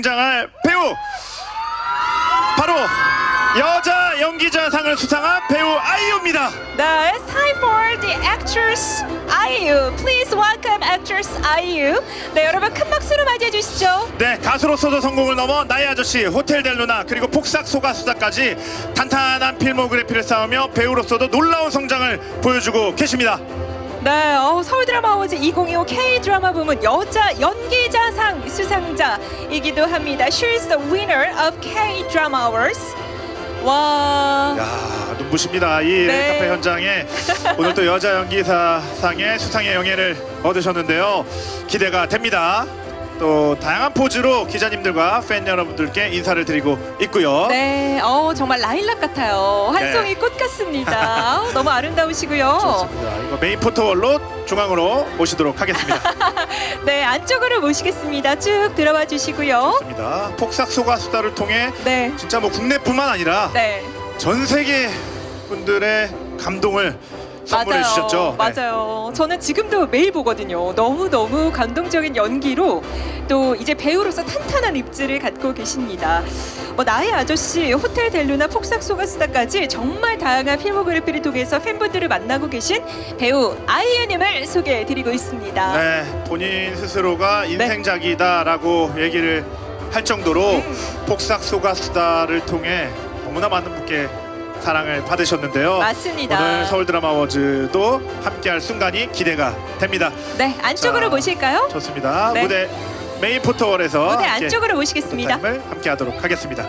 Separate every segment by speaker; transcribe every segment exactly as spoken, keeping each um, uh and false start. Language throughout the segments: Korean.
Speaker 1: 등장할 배우 바로 여자 연기자상을 수상한 배우 아이유입니다.
Speaker 2: 네, it's time for the actress 아이유. Please welcome actress 아이유. 네, 여러분 큰 박수로 맞이해 주시죠.
Speaker 1: 네, 가수로서도 성공을 넘어 나의 아저씨, 호텔 델 루나, 그리고 폭삭 소가수다까지 탄탄한 필모그래피를 쌓으며 배우로서도 놀라운 성장을 보여주고 계십니다.
Speaker 2: 네, 어, 서울 드라마 어워즈 이천이십오 K 드라마 부문 여자 연기자상 수상자이기도 합니다. She's the winner of K Drama Awards. 와.
Speaker 1: 야, 눈부십니다. 이
Speaker 2: 네.
Speaker 1: 레드카페 현장에 오늘 또 여자 연기사상의 수상의 영예를 얻으셨는데요. 기대가 됩니다. 또 다양한 포즈로 기자님들과 팬 여러분들께 인사를 드리고 있고요.
Speaker 2: 네, 어, 정말 라일락 같아요. 한
Speaker 1: 네.
Speaker 2: 송이 꽃 같습니다. 어, 너무 아름다우시고요.
Speaker 1: 좋습니다. 이거 메인 포토월로 중앙으로 모시도록 하겠습니다.
Speaker 2: 네, 안쪽으로 모시겠습니다. 쭉 들어와 주시고요.
Speaker 1: 좋습니다. 폭삭 소가수다를 통해
Speaker 2: 네,
Speaker 1: 진짜 뭐 국내뿐만 아니라
Speaker 2: 네.
Speaker 1: 전 세계 분들의 감동을 선물해
Speaker 2: 맞아요.
Speaker 1: 주셨죠. 네.
Speaker 2: 맞아요. 저는 지금도 매일 보거든요. 너무너무 감동적인 연기로 또 이제 배우로서 탄탄한 입지를 갖고 계십니다. 뭐 나의 아저씨, 호텔 델루나, 폭삭 소가수다까지 정말 다양한 필모그래피를 통해서 팬분들을 만나고 계신 배우 아이유님을 소개해드리고 있습니다.
Speaker 1: 네, 본인 스스로가 인생작이다라고 얘기를 할 정도로
Speaker 2: 음.
Speaker 1: 폭삭 소가수다를 통해 너무나 많은 분께 사랑을 받으셨는데요.
Speaker 2: 맞습니다.
Speaker 1: 오늘 서울 드라마 어워즈도 함께할 순간이 기대가 됩니다.
Speaker 2: 네, 안쪽으로
Speaker 1: 자,
Speaker 2: 모실까요?
Speaker 1: 좋습니다.
Speaker 2: 네.
Speaker 1: 무대 메인 포토월에서
Speaker 2: 무대
Speaker 1: 함께
Speaker 2: 안쪽으로 모시겠습니다.
Speaker 1: 타임을 함께하도록 하겠습니다.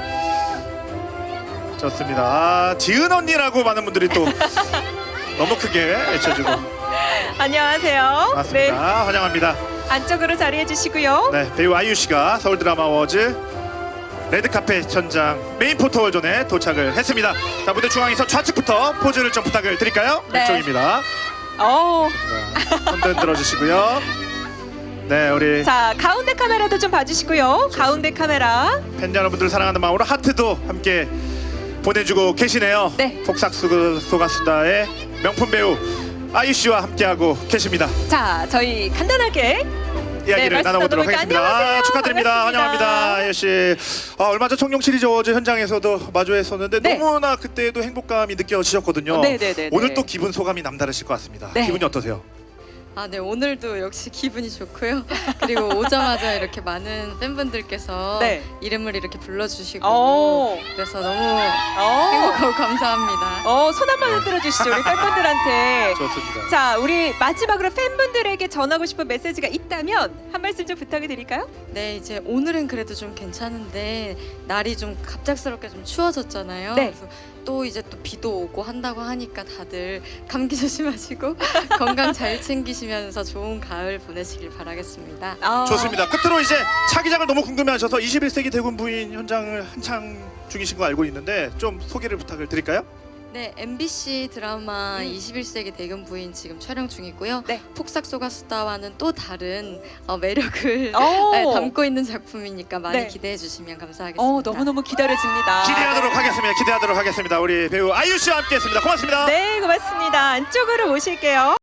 Speaker 1: 좋습니다. 아, 지은 언니라고 많은 분들이 또 너무 크게 외쳐주고
Speaker 2: 안녕하세요.
Speaker 1: 맞습니다.
Speaker 2: 네,
Speaker 1: 환영합니다.
Speaker 2: 안쪽으로 자리해 주시고요.
Speaker 1: 네, 배우 아이유 씨가 서울 드라마 어워즈 레드카페 현장 메인 포토월존에 도착을 했습니다. 자, 무대 중앙에서 좌측부터 포즈를 좀 부탁을 드릴까요?
Speaker 2: 네.
Speaker 1: 왼쪽입니다.
Speaker 2: 어,
Speaker 1: 손 흔들어 주시고요. 네, 우리
Speaker 2: 자, 가운데 카메라도 좀 봐주시고요. 가운데 카메라.
Speaker 1: 팬 여러분들 사랑하는 마음으로 하트도 함께 보내주고 계시네요.
Speaker 2: 네.
Speaker 1: 폭삭 소가수다의 명품 배우 아이유 씨와 함께하고 계십니다.
Speaker 2: 자, 저희 간단하게
Speaker 1: 이야기를
Speaker 2: 네,
Speaker 1: 나눠보도록
Speaker 2: 말씀
Speaker 1: 하겠습니다.
Speaker 2: 나눠볼까요?
Speaker 1: 아, 축하드립니다.
Speaker 2: 반갑습니다.
Speaker 1: 환영합니다. 아이유 씨. 아, 얼마 전 청룡 시리즈 어워즈 현장에서도 마주했었는데
Speaker 2: 네.
Speaker 1: 너무나 그때도 행복감이 느껴지셨거든요.
Speaker 2: 네, 네, 네,
Speaker 1: 오늘
Speaker 2: 네.
Speaker 1: 또 기분 소감이 남다르실 것 같습니다.
Speaker 2: 네.
Speaker 1: 기분이 어떠세요?
Speaker 3: 아, 네, 오늘도 역시 기분이 좋고요. 그리고 오자마자 이렇게 많은 팬분들께서
Speaker 2: 네.
Speaker 3: 이름을 이렇게 불러주시고
Speaker 2: 어,
Speaker 3: 그래서 너무
Speaker 2: 어,
Speaker 3: 행복하고 감사합니다.
Speaker 2: 어, 손 한번 흔들어 주시죠, 우리 팬분들한테.
Speaker 1: 좋습니다.
Speaker 2: 자, 우리 마지막으로 팬분들에게 전하고 싶은 메시지가 있다면 한 말씀 좀 부탁을 드릴까요?
Speaker 3: 네, 이제 오늘은 그래도 좀 괜찮은데 날이 좀 갑작스럽게 좀 추워졌잖아요.
Speaker 2: 네.
Speaker 3: 그래서 또 이제 또 비도 오고 한다고 하니까 다들 감기 조심하시고 건강 잘 챙기시면서 좋은 가을 보내시길 바라겠습니다.
Speaker 2: 아,
Speaker 1: 좋습니다. 끝으로 이제 차기작을 너무 궁금해하셔서 이십일 세기 대군 부인 현장을 한창 중이신 거 알고 있는데 좀 소개를 부탁을 드릴까요?
Speaker 3: 네, 엠비씨 드라마
Speaker 2: 음.
Speaker 3: 이십일 세기 대군 부인 지금 촬영 중이고요.
Speaker 2: 네.
Speaker 3: 폭삭 소가수다와는 또 다른 어, 매력을
Speaker 2: 어,
Speaker 3: 네, 담고 있는 작품이니까 많이
Speaker 2: 네.
Speaker 3: 기대해 주시면 감사하겠습니다.
Speaker 2: 어, 너무너무 기다려집니다.
Speaker 1: 기대하도록 하겠습니다. 기대하도록 하겠습니다. 우리 배우 아이유 씨와 함께했습니다. 고맙습니다.
Speaker 2: 네, 고맙습니다. 안쪽으로 모실게요.